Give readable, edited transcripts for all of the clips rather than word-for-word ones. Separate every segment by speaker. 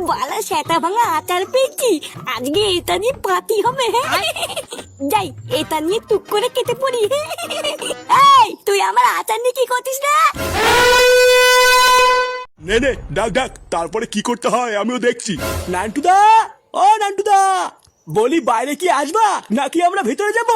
Speaker 1: বালা সেটা ভাঙা আচার পেয়েছি, আজকে এটা নিয়ে পাতি হবে। যাই এটা নিয়ে টুক করে কেটে পড়ি। এই তুই আমার আচার নিয়ে কি করছিস না?
Speaker 2: নে নে ডাক ডাক, তারপরে কি করতে হয় আমিও দেখছি। নান্টুদা, ও নান্টুদা, বলি বাইরে কি আসবা নাকি আমরা ভিতরে যাব?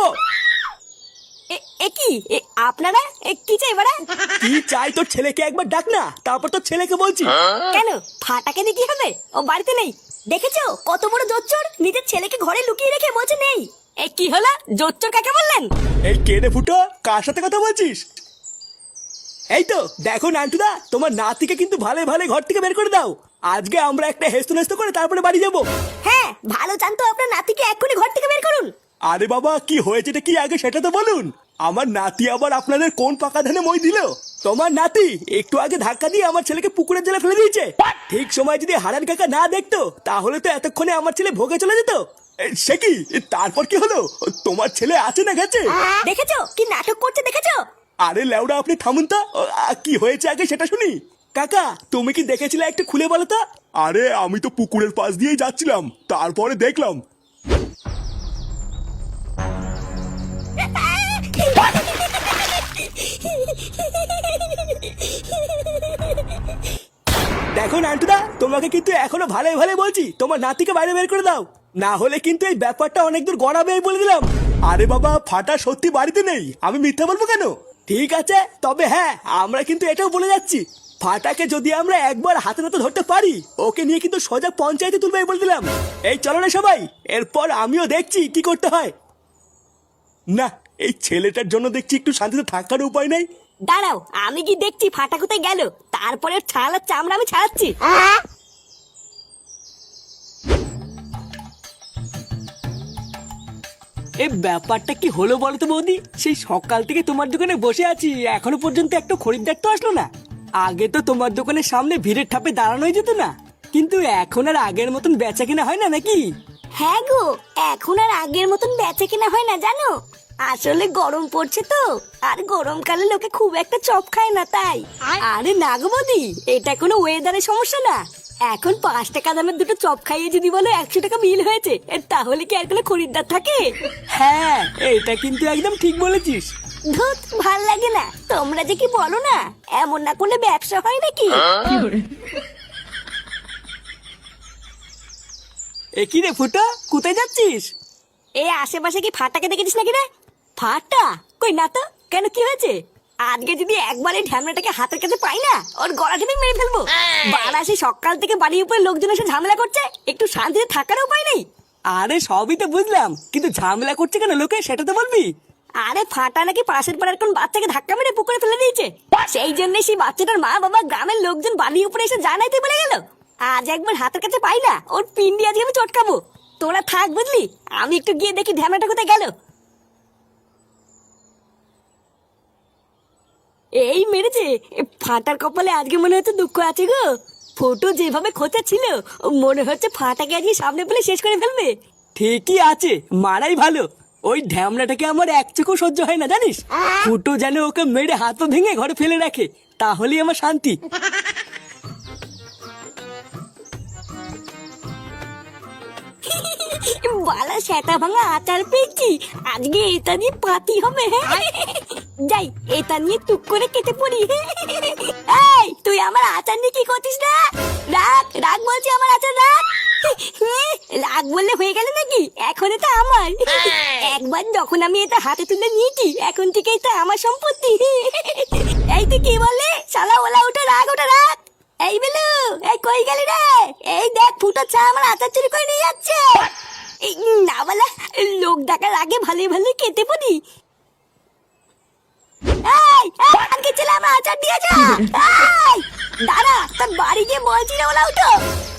Speaker 1: কি আপনারা কি চাই বাড়া?
Speaker 2: কি চাই তোর ছেলেকে একবার ডাক না, তারপর তোর ছেলেকে বলছি।
Speaker 1: কেন ফাটাকে দিয়ে কি হবে? ও বাড়িতে নেই। দেখেছো কত বড় জোচ্চোর, নিজের ছেলেকে ঘরে লুকিয়ে রেখে বলছে নেই। কি হলো, জোচ্চোর কাকে বললেন?
Speaker 2: এই কেড়ে ফুটো, কার সাথে কথা বলছিস? এই তো দেখো নান্টুদা, তোমার নাতিকে কিন্তু ভালো ভালো ঘর থেকে বের করে দাও। আজকে আমরা একটা হেস্ত নেস্ত করে তারপরে বাড়ি যাব।
Speaker 1: হ্যাঁ ভালো চান তো আপনার নাতিকে এক্ষুনি ঘর থেকে বের করুন।
Speaker 2: আরে বাবা, কি হয়েছেটা কি আগে সেটা তো বলুন। আমার নাতি আবার আপনাদের কোন পাকা ধানে মই দিল? তোমার নাতি একটু আগে ধাক্কা দিয়ে আমার ছেলেকে পুকুরের জলে ফেলে দিয়েছে। ঠিক সময় যদি হারান কাকা না দেখতো তাহলে তো এতক্ষণে আমার ছেলে ভোগে চলে যেত। সে কি, তারপর কি হলো? তোমার ছেলে আছে না গেছে?
Speaker 1: দেখেছো কি নাটক করছে, দেখেছো?
Speaker 2: আরে লেওড়া, আপনি থামুন তো। কি হয়েছে আগে সেটা শুনি। কাকা তুমি কি দেখেছিলে একটু খুলে বলো তো? আরে আমি তো পুকুরের পাশ দিয়েই যাচ্ছিলাম, তারপরে দেখলাম। দেখো নান্টুদা, তোমাকে কিন্তু এখনো ভালো ভালো বলছি, তোমার নাতিকে বাইরে বের করে দাও, না হলে কিন্তু এই ব্যাপারটা অনেক দূর গড়াবে বলে দিলাম। আরে বাবা, ফাটা সত্যি বাড়িতে নেই, আমি মিথ্যা বলবো কেন? ঠিক আছে, তবে হ্যাঁ আমরা কিন্তু এটাও বলে যাচ্ছি, ফাটাকে যদি আমরা একবার হাতে নাতে ধরতে পারি ওকে নিয়ে কিন্তু সোজা পঞ্চায়েতে তুলবে বলে দিলাম। এই চলো না সবাই, এরপর আমিও দেখছি কি করতে হয়। না, এই ছেলেটার জন্য দেখছি একটু শান্তিতে থাকার উপায় নেই।
Speaker 1: দাঁড়াও, আমি কি দেখছি ফাটা কোথায় গেল, তারপরে ছাড়ার চামড়া আমি ছাড়াচ্ছি।
Speaker 3: এই ব্যাপারটা কি হলো বলো তো বৌদি? সেই সকাল থেকে তোমার দোকানে বসে আছি, এখনো পর্যন্ত একটা খরিদ্দার তো আসলো না। আগে তো তোমার দোকানের সামনে ভিড়ের ঠাপে দাঁড়ানোই যেত না, কিন্তু এখন আর আগের মতন বেচা কেনা হয় না নাকি?
Speaker 1: হ্যাঁ গো, এখন আর আগের মতন বেচে কিনা হয় না জানো। আসলে গরম পড়ছে তো, আর গরমকালে লোকে খুব একটা চপ খায় না তাই। আরে না গো বৌদি, এটা কোনো ওয়েদারের সমস্যা না। এখন 5 টাকা দামের দুটো চপ খাইয়ে যদি বলো 100 টাকা বিল হয়েছে, তাহলে কি আর কোনো খরিদ্দার থাকে?
Speaker 3: হ্যাঁ, এটা কিন্তু একদম ঠিক বলেছিস।
Speaker 1: ধুত, ভাল লাগে না, তোমরা যে কি বলো না, এমন না করলে ব্যবসা হয় নাকি?
Speaker 3: এ কি রে ফুটা, কোথায় যাচ্ছিস?
Speaker 1: এই আশেপাশে কি ফাটাকে দেখেছিস নাকি রে? ফাটা কই না তো, কেন কি হয়েছে? আজকে যদি একবার এই ঢ্যামড়াটাকে হাতের কাছে পাই না, ওর গলা টিপে মেরে ফেলবো। বারাসি সকাল থেকে বাড়ির উপরে লোকজন এসে ঝামেলা করছে, একটু শান্তিতে থাকার উপায় নেই।
Speaker 3: আরে সবই তো বুঝলাম, কিন্তু ঝামেলা করছে কেন লোকে সেটা তো বলবি।
Speaker 1: আরে ফাটা নাকি পাশের পাড়ার কোন বাচ্চাকে ধাক্কা মেরে পুকুরে ফেলে দিয়েছে, সেই জন্য সেই বাচ্চাটার মা বাবা গ্রামের লোকজন বাড়ির উপরে এসে জানাইতে বলে গেল। আজ একবার হাতের কাছে পাই না, ওর পিন্ডি আজকে আমি চটকাবো। তোরা থাক বুঝলি, আমি একটু গিয়ে দেখি ঢ্যামড়াটা কোথায় গেল। এই মেরেছে, ফাটার কপালে আজকে মনে হচ্ছে দুঃখ আছে গো। ফটো যেভাবে খোঁচা ছিল, মনে হচ্ছে ফাটাকে আজকে সামনে পেলে শেষ করে ফেলবে।
Speaker 3: ঠিকই আছে, মারাই ভালো। ওই ঢ্যামড়াটাকে আমার এক চোখও সহ্য হয় না জানিস। ফুটো যেন ওকে মেরে হাত পা ভেঙে ঘরে ফেলে রাখে, তাহলেই আমার শান্তি।
Speaker 1: বালা সেটা ভাঙা আচার পেয়েছি, আজকে এটা দিয়ে পাতি হবে। যাই এটা নিয়ে টুক করে কেটে পড়ি। এই তুই আমার আচার নিয়ে কি করছিস না? রাখ রাখ বলছি, আমার আচার রাখ। রাখ বললে হয়ে গেল নাকি? এখন এটা আমার। একবার যখন আমি এটা হাতে তুলে নিয়েছি, এখন থেকে এটা আমার সম্পত্তি। এই তুই কি বললে? শালা ওলা, ওটা রাখ, ওটা রাখ। এই বেলু, এই কই গেলি রে? এই দেখ ফুটো চা আমার আচার চুরি করে নিয়ে যাচ্ছে। না বলা, লোক ডাকার আগে ভালোই ভালোই কেটে পড়ি। আজকে ছেলে আমার আচার দিয়ে যা। দাঁড়া, তোর বাড়ি গিয়ে বলছি রে ওলা, উঠো।